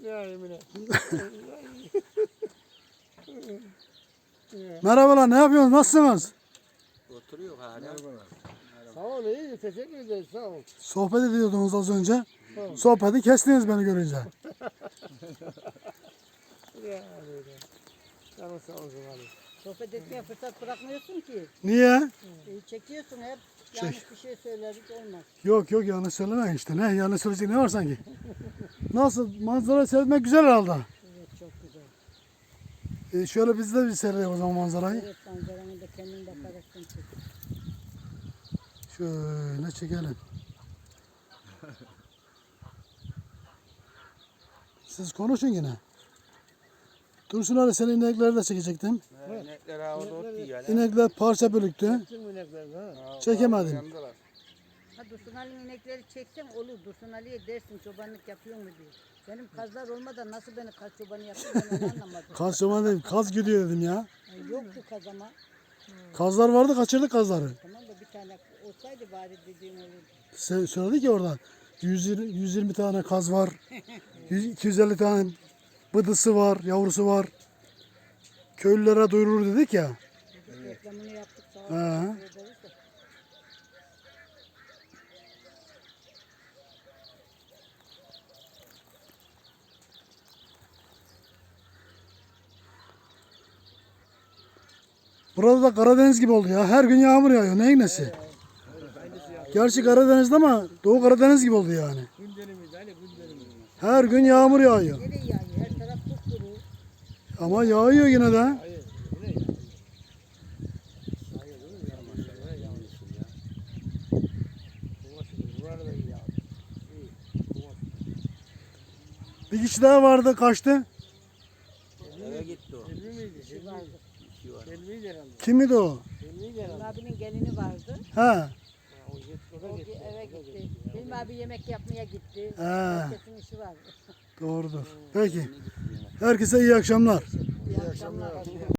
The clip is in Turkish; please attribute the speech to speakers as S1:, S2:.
S1: Ya Emine.
S2: Merhabalar, ne yapıyorsunuz? Nasılsınız?
S3: Oturuyor hala.
S1: Sağ ol, iyi. Teşekkür ederiz. Sağ ol.
S2: Sohbet ediyordunuz az önce.
S1: Tamam.
S2: Sohbeti kestiniz beni görünce.
S1: Ya böyle. Canın sağ olsun abi.
S4: Sohbet etmeye fırsat bırakmıyorsun ki.
S2: Niye?
S4: Çekiyorsun hep. Yanlış bir şey söyledik olmaz.
S2: Yok yanlış söyleme işte. Ne yanlış söyleyecek ne var sanki? Nasıl? Manzara seyretmek güzel herhalde.
S4: Evet, çok güzel.
S2: Şöyle biz de bir seyredelim o zaman manzarayı.
S4: Evet, manzaranı da kendin bakarsın.
S2: Şöyle çekelim. Siz konuşun yine. Dursun Ali, senin inekleri de çekecektim.
S3: İnekler havada ot yiyor.
S2: İnekler parça bölüktü.
S1: Kim ineklerini ha?
S2: Çekemedim.
S3: Yandılar.
S4: Ha, Dursun Ali'nin inekleri çeksen olur. Dursun Ali'ye dersin çobanlık yapıyor mu diye. Benim kazlar olmadan nasıl beni kaz çobanı yapıyor ben onu anlamadım.
S2: Kaz çoban dedim. Kaz gidiyor dedim ya.
S4: Yoktu kaz ama.
S2: Kazlar vardı, kaçırdık kazları.
S4: Tamam da bir tane olsaydı bari dediğim olurdu.
S2: Söyledik ya orada. 120 tane kaz var. 250 tane bıdısı var, yavrusu var. Köylülere duyurur dedik ya.
S4: Reklamını yaptık sağ
S2: He.
S4: olun. Teşekkür ederiz de.
S2: Burada da Karadeniz gibi oldu ya. Her gün yağmur yağıyor. Neyin nesi? Gerçi Karadeniz'de ama Doğu Karadeniz gibi oldu yani.
S1: Günlerimiz, hani günlerimiz.
S2: Her gün yağmur yağıyor.
S4: Nereye yağıyor? Her taraf kupkuru.
S2: Ama yağıyor yine de.
S1: Hayır, yine ya. Hayır, değil mi? Yağmur, yağmur ya. Bunlar da iyi ya. İyi.
S2: Bir kişi daha vardı, kaçtı.
S3: Eve gitti o.
S1: Elmi miydi?
S4: Bir şey vardı.
S3: İşi var.
S1: Elmiydi herhalde.
S2: Kimdi o?
S1: Elmiydi herhalde.
S4: Hilmi abinin gelini vardı.
S2: He.
S1: Ha, o da
S4: O
S1: gitti.
S4: eve gitti. Hilmi abi yemek yapmaya gitti.
S2: He.
S4: Herkesin işi var.
S2: Doğrudur. Peki. Herkese iyi akşamlar.
S4: İyi akşamlar.